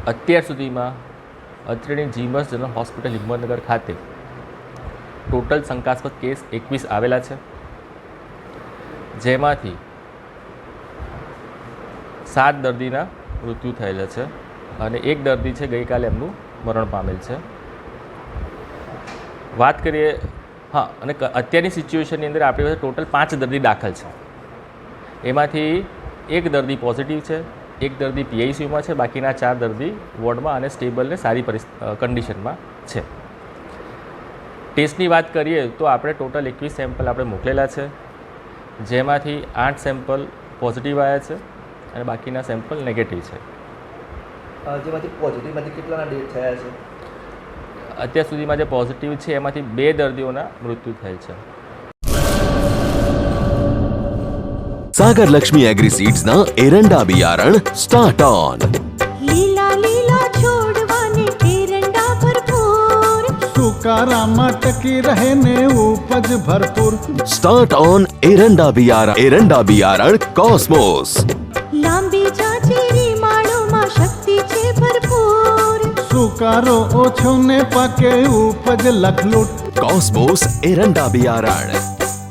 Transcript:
અત્યાર સુધીમાં અત્રેની જીમસ જનરલ હોસ્પિટલ હિંમતનગર ખાતે ટોટલ શંકાસ્પદ કેસ 21 આવેલા છે, જેમાંથી 7 દર્દીના મૃત્યુ થયેલા છે અને 1 દર્દી છે ગઈકાલે એમનું મરણ પામેલ છે. વાત કરીએ અને અત્યારની સિચ્યુએશનની અંદર આપણી પાસે ટોટલ 5 દર્દી દાખલ છે. એમાંથી 1 દર્દી પોઝિટિવ છે, 1 દર્દી પીઆઈસીયુમાં છે, બાકીના 4 દર્દી વોર્ડમાં અને સ્ટેબલ ને સારી કન્ડિશનમાં છે. ટેસ્ટની વાત કરીએ તો આપણે ટોટલ 21 સેમ્પલ આપણે મોકલેલા છે, જેમાંથી 8 સેમ્પલ પોઝિટિવ આવ્યા છે અને બાકીના સેમ્પલ નેગેટિવ છે. જેમાંથી પોઝિટિવમાંથી કેટલાના ડેટ થયા છે? અત્યાર સુધીમાં જે પોઝિટિવ છે એમાંથી 2 દર્દીઓના મૃત્યુ થયેલ છે. सागर लक्ष्मी एग्रीसीड्स ना एरंडा बियारण स्टार्ट ऑन. લીલા લીલા છોડવાને એરંડા ભરપૂર, સુકારામાં ટકી રહે ને ઉપજ ભરપૂર. स्टार्ट ऑन एरंडा बियारण कॉस्मोस. લાંબી જાચેરી માળોમાં શક્તિ છે ભરપૂર, સુકારો ઓછો ને પાકે ઉપજ લખલૂટ. कॉस्मोस एरंडा बियारण.